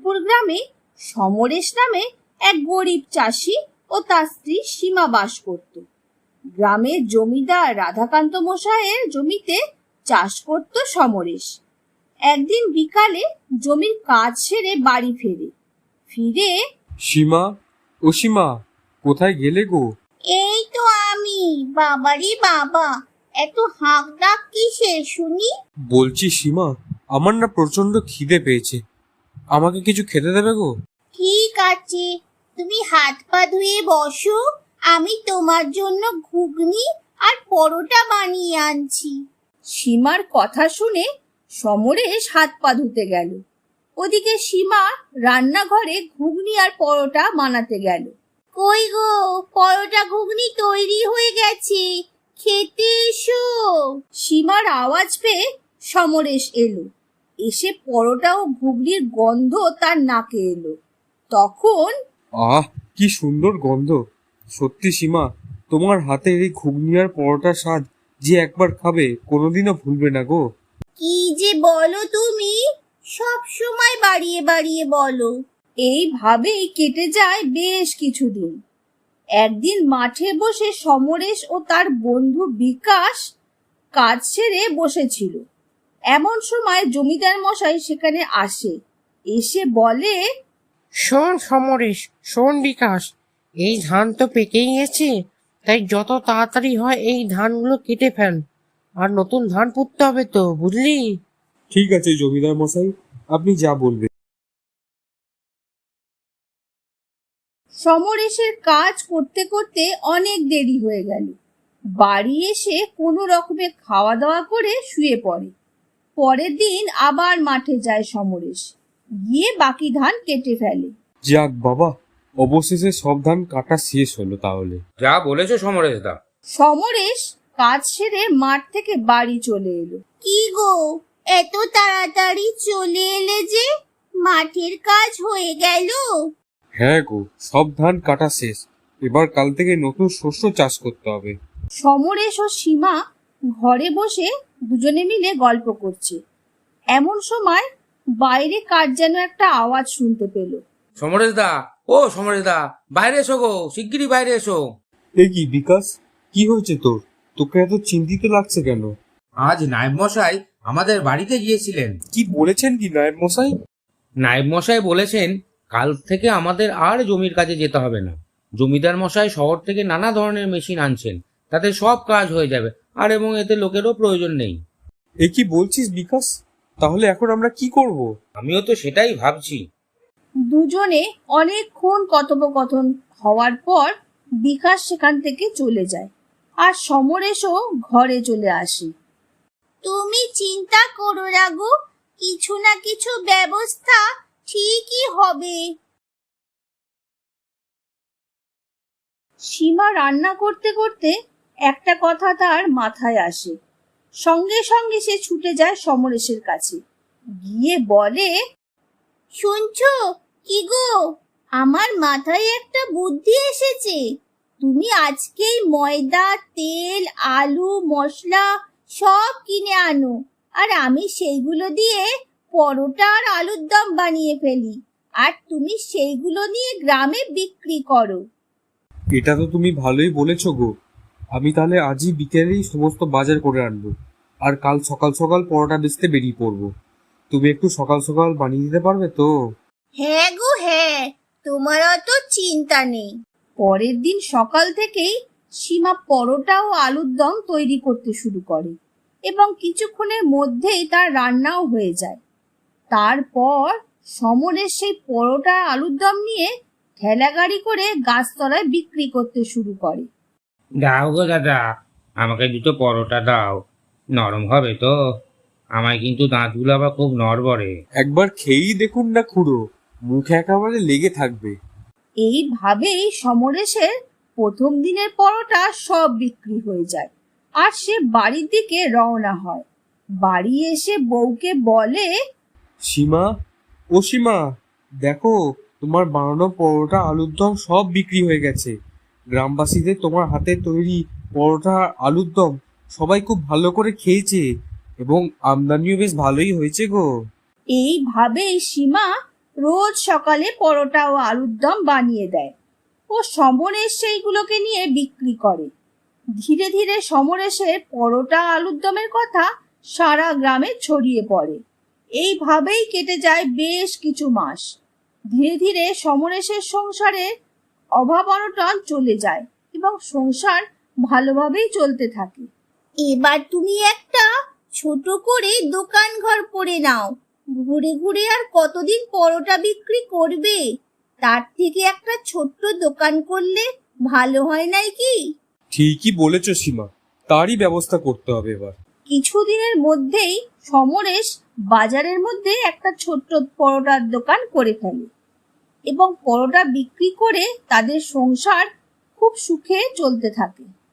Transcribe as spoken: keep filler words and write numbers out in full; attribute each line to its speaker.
Speaker 1: রামপুর গ্রামে সমরেশ নামে এক গরিব চাষি ও তার স্ত্রী সীমা বাস করত। গ্রামের জমিদার রাধাকান্ত মশাইয়ের জমিতে চাষ করত সমরেশ। একদিন বিকালে জমির কাজ সেরে বাড়ি ফেরে ফিরে
Speaker 2: সীমা, ও সীমা, কোথায় গেলে গো?
Speaker 3: এই তো আমি। বাবারি বাবা, এত হাঁক ডাক কিসের শুনি?
Speaker 2: বলছি সীমা, আমার না প্রচন্ড খিদে পেয়েছে, আমাকে কিছু খেতে দেবে গো?
Speaker 3: ঠিক আছে, তুমি হাত পা ধুয়ে বসো, আমি তোমার জন্য ঘুগনি আর পরোটা বানিয়ে আনছি।
Speaker 1: সীমার কথা শুনে সমরেশ হাত পা ধুতে গেল। ওদিকে সীমা রান্নাঘরে ঘুগনি আর পরোটা বানাতে গেল।
Speaker 3: কই গো, পরোটা ঘুগনি তৈরি হয়ে গেছে, খেতে এসো।
Speaker 1: সীমার আওয়াজ পেয়ে সমরেশ এলো। এসে পরোটা ও ঘুগনির গন্ধ তার নাকে এলো। তখন
Speaker 2: আহ, কি সুন্দর গন্ধ! সত্যি সীমা, তোমার হাতের এই ঘুগনি আর পরোটার স্বাদ যে একবার খাবে কোনোদিনও ভুলবে না গো।
Speaker 3: কি যে বলো তুমি, সব সময় বাড়িয়ে বাড়িয়ে বলো।
Speaker 1: এইভাবেই কেটে যায় বেশ কিছুদিন। একদিন মাঠে বসে সমরেশ ও তার বন্ধু বিকাশ কাজ সেরে বসেছিল। এমন সময় জমিদার মশাই সেখানে আসে। এসে বলে,
Speaker 4: শোন সমরেশ, শোন বিকাশ, এই ধান তো পেকেই গেছে, তাই যত তাড়াতাড়ি হয় এই ধানগুলো কেটে ফেল, আর নতুন ধান পুঁততে হবে তো, বুঝলি?
Speaker 2: ঠিক আছে জমিদার মশাই, আপনি যা বলবেন।
Speaker 1: সমরেশের কাজ করতে করতে অনেক দেরি হয়ে গেল। বাড়ি এসে কোনো রকমে খাওয়া দাওয়া করে শুয়ে পড়ে। পরের দিন আবার মাঠে যায় সমরেশ, গিয়ে বাকি ধান কেটে ফেলে।
Speaker 2: যাক বাবা, অবশেষে সব ধান কাটা শেষ হলো তাহলে।
Speaker 5: যা বলেছো সমরেশ দা।
Speaker 1: সমরেশ কাজ সেরে মাঠ থেকে বাড়ি চলে এলো।
Speaker 3: কি গো, এত তাড়াতাড়ি চলে এলে যে? মাঠের কাজ হয়ে গেল?
Speaker 2: হ্যাঁ গো, সব ধান কাটা শেষ, এবার কাল থেকে নতুন শস্য চাষ করতে হবে।
Speaker 1: সমরেশ ও সীমা ঘরে বসে দুজনে মিলে গল্প করছে। এমন সময় বাইরে কার যেন একটা আওয়াজ শুনতে পেল।
Speaker 5: সমরেশ দা, ও সমরেশ দা, বাইরে এসো গো, শিগগিরই বাইরে এসো।
Speaker 2: এ কি বিকাশ, কি হয়েছে তোর? তোকে এত চিন্তিত লাগছে কেন?
Speaker 5: আজ নায়েব মশাই আমাদের বাড়িতে গিয়েছিলেন।
Speaker 2: কি বলেছেন কি নায়েব মশাই?
Speaker 5: নায়েব মশাই বলেছেন কাল থেকে আমাদের আর জমির কাজে যেতে হবে না। জমিদার মশাই শহর থেকে নানা ধরনের মেশিন আনছেন, তাতে সব কাজ হয়ে যাবে, আর এবং এতে লোকেরও প্রয়োজন নেই।
Speaker 2: এ কি বলছিস বিকাশ? তাহলে এখন আমরা কি করব?
Speaker 5: আমিও তো সেটাই ভাবছি।
Speaker 1: দুজনে অনেকক্ষণ কথোপকথন হওয়ার পর বিকাশ সেখান থেকে চলে যায়, আর সমরেশও ঘরে চলে আসে।
Speaker 3: তুমি চিন্তা করো না গো, কিছু না কিছু ব্যবস্থা ঠিকই হবে।
Speaker 1: সীমা রান্না করতে করতে একটা কথা তার মাথায় আসে। সঙ্গে সঙ্গে সে ছুটে যায় সমরেশের কাছে, গিয়ে বলে,
Speaker 3: শুনছো কি গো, আমার মাথায় একটা বুদ্ধি এসেছে। তুমি আজকেই ময়দা, তেল, আলু, মশলা সব কিনে আনো, আর আমি সেইগুলো দিয়ে পরোটা আর আলুর দম বানিয়ে ফেলি, আর তুমি সেইগুলো নিয়ে গ্রামে বিক্রি করো।
Speaker 2: এটা তো তুমি ভালোই বলেছো গো। আমি তাহলে আজই বিকেলেই সমস্ত বাজার করে আনবো, আর কাল সকাল সকাল পরোটা বেচতে বেরিয়ে পড়বো। তুমি একটু সকাল সকাল বানিয়ে দিতে পারবে তো?
Speaker 3: হ্যাঁ গো হ্যাঁ, তোমার অত চিন্তা নেই।
Speaker 1: পরের দিন সকাল থেকেই সীমা পরোটা ও আলুর দম তৈরি করতে শুরু করে, এবং কিছুক্ষণের মধ্যেই তার রান্নাও হয়ে যায়। তারপর সমরেশ সেই পরোটা আলুর দম নিয়ে ঠেলা গাড়ি করে গাছতলায় বিক্রি করতে শুরু করে।
Speaker 5: দাও গো দাদা, আমাকে দুটো পরোটা দাও, নরম হবে তো? আমায় কিন্তু দাঁতগুলো আবার খুব নড়বড়ে।
Speaker 2: একবার খেয়েই দেখুন না খুড়ো, মুখে একেবারে লেগে থাকবে।
Speaker 1: এইভাবেই সমরেশের প্রথম দিনের পরোটা সব বিক্রি হয়ে যায়, আর সে বাড়ির দিকে রওনা হয়। বাড়ি এসে বউকে বলে,
Speaker 2: সীমা, ও সীমা, দেখো তোমার বানানো পরোটা আলুর দম সব বিক্রি হয়ে গেছে। গ্রামবাসীদের তোমার হাতে তৈরি পরোটা আলুর দম সবাই খুব ভালো করে খেয়েছে, এবং আমদানিও বেশ ভালোই হয়েছে গো।
Speaker 1: এইভাবেই সীমা রোজ সকালে পরোটা ও আলুর দম বানিয়ে দেয় ও সমরেশ সেইগুলোকে নিয়ে বিক্রি করে। ধীরে ধীরে সমরেশের পরোটা আলুর দমের কথা সারা গ্রামে ছড়িয়ে পড়ে। এইভাবেই কেটে যায় বেশ কিছু মাস। ধীরে ধীরে সমরেশের সংসারে অভাব অনটন চলে যায় এবং সংসার ভালোভাবেই চলতে থাকে।
Speaker 3: এবার তুমি একটা ছোট করে দোকান ঘর করে নাও। ঘুরে ঘুরে আর কতদিন পরোটা বিক্রি করবে? তার থেকে একটা ছোট্ট দোকান করলে ভালো হয় নাই কি?
Speaker 2: ঠিকই বলেছ সীমা, তারই ব্যবস্থা করতে হবে এবার।
Speaker 1: কিছুদিনের মধ্যেই সমরেশ বাজারের মধ্যে একটা ছোট্ট পরোটার দোকান করে ফেলে এবং পরোটা বিক্রি করে তাদের সংসার খুব সুখে চলতে থাকে।